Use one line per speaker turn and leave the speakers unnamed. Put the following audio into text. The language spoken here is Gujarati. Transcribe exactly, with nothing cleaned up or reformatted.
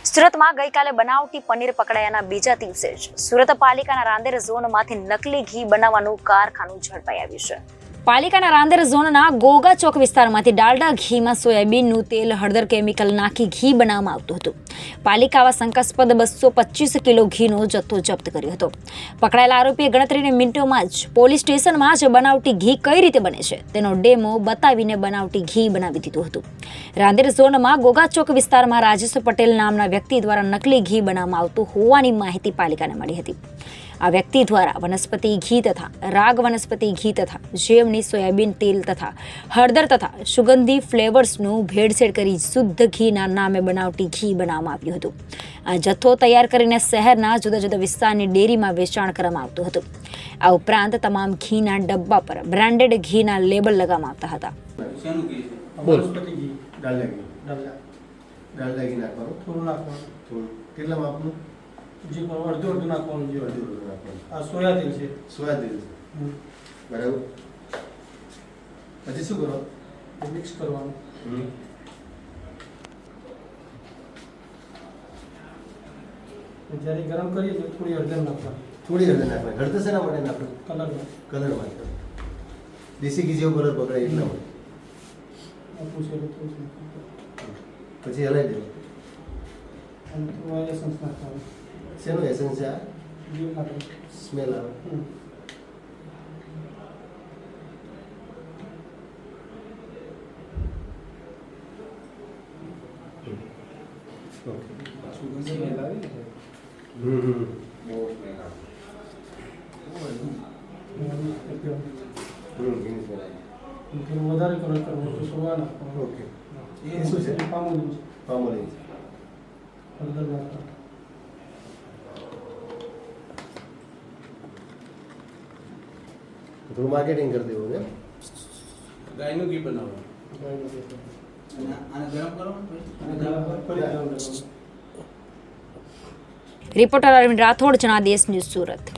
સુરતમાં ગઈકાલે બનાવટી પનીર પકડાયાના બીજા દિવસે જ સુરત પાલિકાના રાંદેર ઝોનમાંથી નકલી ઘી બનાવવાનું કારખાનું ઝડપાઈ આવ્યું છે. પાલિકાના રાંદેર ઝોનના ગોગા ચોક વિસ્તારમાંથી ડાલડા ઘીમાં સોયાબીનનું તેલ, હળદર, કેમિકલ નાખી ઘી બનાવવામાં આવતું હતું. પાલિકા આવા શંકાસ્પદ બસો પચીસ કિલો ઘીનો જથ્થો જપ્ત કર્યો હતો. પકડાયેલા આરોપીએ ગણતરીની મિનિટોમાં જ પોલીસ સ્ટેશનમાં જ બનાવટી ઘી કઈ રીતે બને છે તેનો ડેમો બતાવીને બનાવટી ઘી બનાવી દીધું હતું. રાંદેર ઝોનમાં ગોગા ચોક વિસ્તારમાં રાજેશ પટેલ નામના વ્યક્તિ દ્વારા નકલી ઘી બનાવવામાં આવતું હોવાની માહિતી પાલિકાને મળી હતી. આ વ્યક્તિ દ્વારા વનસ્પતિ ઘી તથા રાગ વનસ્પતિ ઘી તથા જેમની સોયાબીન તેલ તથા હળદર તથા સુગંધી ફ્લેવર્સનું ભેળસેળ કરી શુદ્ધ ઘીના નામે બનાવટી ઘી બનાવવામાં આવ્યું હતું. આ જથ્થો તૈયાર કરીને શહેરના જુદા જુદા વિસ્તારની ડેરીમાં વેચાણ કરવામાં આવતું હતું. આ ઉપરાંત તમામ ઘીના ડબ્બા પર બ્રાન્ડેડ ઘીના લેબલ લગાવવામાં આવતા હતા.
વનસ્પતિ ઘી, ડાલડા ઘી, ડાલડા ડાલડા ઘી નાખવાનું, થોડું નાખવાનું, થોડું કેટલા માપનું? જે પણ અડધું અડધું નાખવાનું, જે અડધું અડધું નાખવાનું. આ સોયા તેલ છે, સોયા તેલ છે, બરાબર. પછી શું કરો? મિક્સ કરવાનું. જ્યારે ગરમ કરીએ તો થોડી હળદર નાખવાની, થોડી હળદર નાખવાની. હળદર શેના માટે નાખવાનું? કલર કલર માટે. દેશી ઘી જેવો કલર પકડાય એટલા માટે. પછી હલાવી દેવું. શેનું એસન્સ છે આ? સ્મેલ આવે. વધારે કલર કરવો તો સોયા નાખવાનો. ઓકે. એ શું છે? પામોલીન છે. પામોલીન છે. હળદર નાખવાનું. થોડું માર્કેટિંગ કરી દેવું ને.
ગાયનું ઘી બનાવવાનું.
ગાયનું ઘી.
આને ગરમ કરો.
Reporter Arvind Rathod, Janadesh news, Surat.